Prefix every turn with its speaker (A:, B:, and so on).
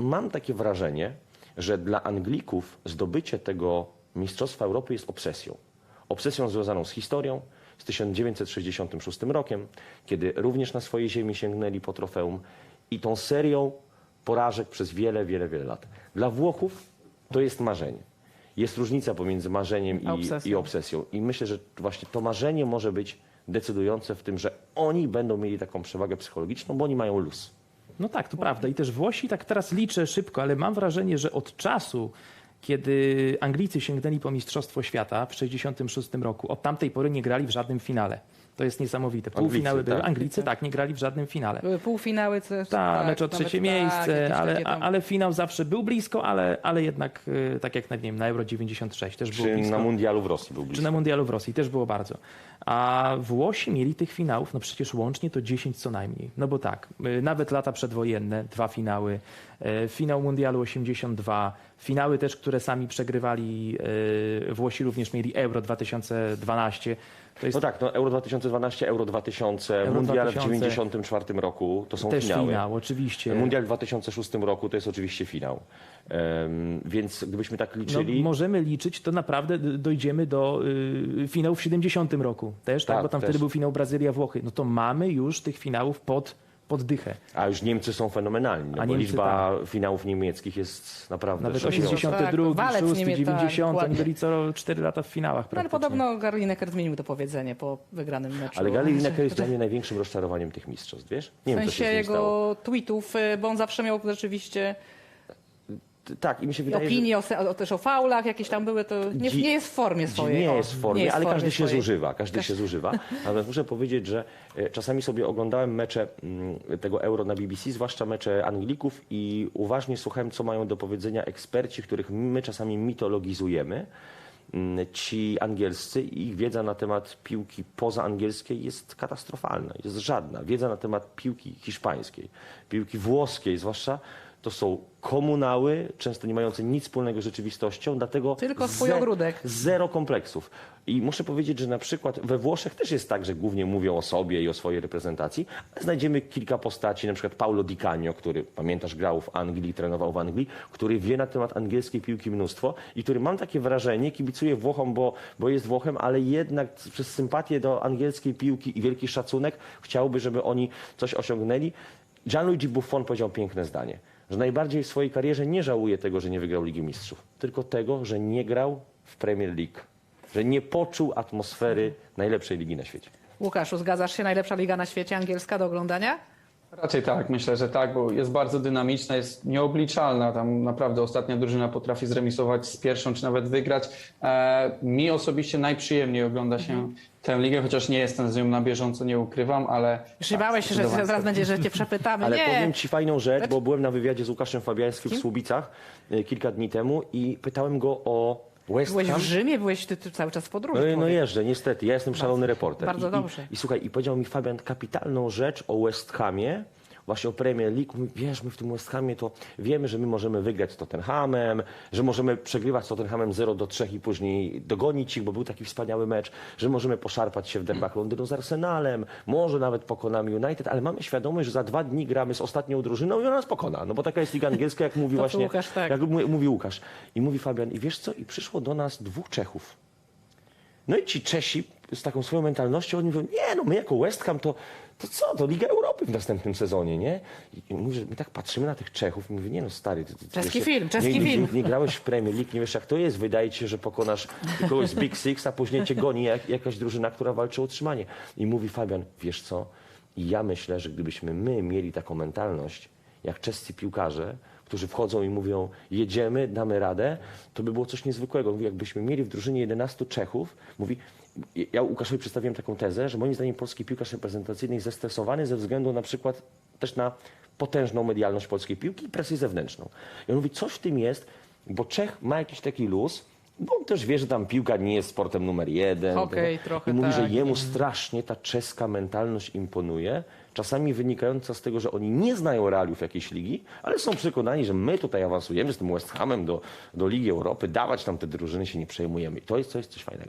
A: mam takie wrażenie, że dla Anglików zdobycie tego Mistrzostwa Europy jest obsesją. Obsesją związaną z historią, z 1966 rokiem, kiedy również na swojej ziemi sięgnęli po trofeum i tą serią porażek przez wiele, wiele, wiele lat. Dla Włochów to jest marzenie. Jest różnica pomiędzy marzeniem i obsesją. I myślę, że właśnie to marzenie może być decydujące w tym, że oni będą mieli taką przewagę psychologiczną, bo oni mają luz.
B: No tak, to prawda. I też Włosi, tak teraz liczę szybko, ale mam wrażenie, że od czasu, kiedy Anglicy sięgnęli po Mistrzostwo Świata w 1966 roku, od tamtej pory nie grali w żadnym finale. To jest niesamowite. Półfinały
A: Anglicy,
B: były.
A: tak?
B: Anglicy tak, nie grali w żadnym finale.
C: Były półfinały, też.
B: Tak, mecz o trzecie miejsce, ale finał zawsze był blisko, ale jednak, tak jak nie wiem, na Euro 96 też było
A: Czy
B: blisko.
A: na Mundialu w Rosji był blisko.
B: Czy na Mundialu w Rosji też było bardzo. A Włosi mieli tych finałów, no przecież łącznie to 10 co najmniej. No bo tak, nawet lata przedwojenne, 2 finały, finał Mundialu 82, finały też, które sami przegrywali, Włosi również mieli Euro 2012. To jest
A: No tak, no Euro 2012, Euro 2000,
B: Euro
A: Mundial
B: 2000.
A: w 1994 roku to są
B: też
A: finały.
B: finał, oczywiście.
A: Mundial w 2006 roku to jest oczywiście finał. Więc gdybyśmy tak liczyli...
B: No, możemy liczyć, to naprawdę dojdziemy do finału w 70 roku też, tak?
A: Tak,
B: Bo tam
A: też.
B: wtedy był finał Brazylia-Włochy. No to mamy już tych finałów pod dychę.
A: A już Niemcy są fenomenalni, no
B: A
A: bo
B: Niemcy,
A: liczba finałów niemieckich jest naprawdę
B: Nawet
A: szokująca.
B: 82,
C: Tak, walec
B: 6,
C: Niemiec,
B: 90, oni
C: dokładnie.
B: byli co 4 lata w finałach
C: No, ale
B: praktycznie.
C: podobno Gary Lineker zmienił to powiedzenie po wygranym meczu.
A: Ale Gary Lineker jest dla mnie największym rozczarowaniem tych mistrzostw, wiesz? Nie
C: W
A: wiem, co się
C: sensie
A: z nim stało.
C: jego tweetów, bo on zawsze miał rzeczywiście
A: Tak, i mi się wydaje, że...
C: opinie też o faulach, jakieś tam były, to nie jest w formie swojej.
A: Nie
C: o,
A: jest w formie,
C: nie jest
A: ale
C: w formie
A: każdy się
C: swojej.
A: zużywa. Każdy się zużywa. Natomiast muszę powiedzieć, że czasami sobie oglądałem mecze tego Euro na BBC, zwłaszcza mecze Anglików i uważnie słuchałem, co mają do powiedzenia eksperci, których my czasami mitologizujemy. Ci angielscy i ich wiedza na temat piłki pozaangielskiej jest katastrofalna, jest żadna. Wiedza na temat piłki hiszpańskiej, piłki włoskiej zwłaszcza, to są komunały, często nie mające nic wspólnego z rzeczywistością, dlatego
C: Tylko swój ogródek.
A: zero kompleksów. I muszę powiedzieć, że na przykład we Włoszech też jest tak, że głównie mówią o sobie i o swojej reprezentacji, ale znajdziemy kilka postaci, na przykład Paulo Di Canio, który, pamiętasz, grał w Anglii, trenował w Anglii, który wie na temat angielskiej piłki mnóstwo i który, mam takie wrażenie, kibicuje Włochom, bo jest Włochem, ale jednak przez sympatię do angielskiej piłki i wielki szacunek chciałby, żeby oni coś osiągnęli. Gianluigi Buffon powiedział piękne zdanie, że najbardziej w swojej karierze nie żałuje tego, że nie wygrał Ligi Mistrzów, tylko tego, że nie grał w Premier League, że nie poczuł atmosfery najlepszej ligi na świecie.
C: Łukaszu, zgadzasz się? Najlepsza liga na świecie, angielska, do oglądania?
D: Raczej tak, myślę, że tak, bo jest bardzo dynamiczna, jest nieobliczalna. Tam naprawdę ostatnia drużyna potrafi zremisować z pierwszą, czy nawet wygrać. Mi osobiście najprzyjemniej ogląda się tę ligę, chociaż nie jestem z nią na bieżąco, nie ukrywam, ale...
C: Już nie bałeś się, że zaraz będzie, że cię przepytamy.
A: Ale
C: nie.
A: powiem ci fajną rzecz, bo byłem na wywiadzie z Łukaszem Fabiańskim w Słubicach kilka dni temu i pytałem go o West
C: Byłeś
A: Ham.
C: w Rzymie, byłeś ty cały czas w podróży.
A: No
C: człowiek.
A: jeżdżę, niestety. Ja jestem szalony reporter.
C: bardzo dobrze.
A: I słuchaj, i powiedział mi Fabian kapitalną rzecz o West Hamie, właśnie o Premier League. Mówi, wiesz, my w tym West Hamie to wiemy, że my możemy wygrać z Tottenhamem, że możemy przegrywać z Tottenhamem 0-3 i później dogonić ich, bo był taki wspaniały mecz, że możemy poszarpać się w derbach Londynu z Arsenalem, może nawet pokonamy United, ale mamy świadomość, że za 2 dni gramy z ostatnią drużyną i ona nas pokona. No bo taka jest liga angielska, jak mówi
C: To
A: właśnie,
C: Łukasz, tak.
A: jak mówi Łukasz. I mówi Fabian, i wiesz co, i przyszło do nas 2 Czechów. No i ci Czesi z taką swoją mentalnością, oni mówią, nie no, my jako West Ham to co, to Liga Europy w następnym sezonie, nie? I mówi, że my tak patrzymy na tych Czechów i mówię, nie no stary, ty
C: Czeski
A: wiesz,
C: film, czeski
A: nie,
C: film.
A: Nie grałeś w Premier League, nie wiesz jak to jest, wydaje ci się, że pokonasz kogoś z Big Six, a później cię goni jakaś drużyna, która walczy o utrzymanie. I mówi Fabian, wiesz co, i ja myślę, że gdybyśmy my mieli taką mentalność, jak czescy piłkarze, którzy wchodzą i mówią, jedziemy, damy radę, to by było coś niezwykłego. Mówi, jakbyśmy mieli w drużynie 11 Czechów, mówi, ja Łukaszowi przedstawiłem taką tezę, że moim zdaniem polski piłkarz reprezentacyjny jest zestresowany ze względu na przykład też na potężną medialność polskiej piłki i presję zewnętrzną. I on mówi, coś w tym jest, bo Czech ma jakiś taki luz, bo on też wie, że tam piłka nie jest sportem numer 1.
C: Hokej trochę,
A: I mówi, że
C: tak.
A: jemu strasznie ta czeska mentalność imponuje, czasami wynikająca z tego, że oni nie znają realiów jakiejś ligi, ale są przekonani, że my tutaj awansujemy z tym West Hamem do Ligi Europy, dawać tam te drużyny się nie przejmujemy. I to jest coś fajnego.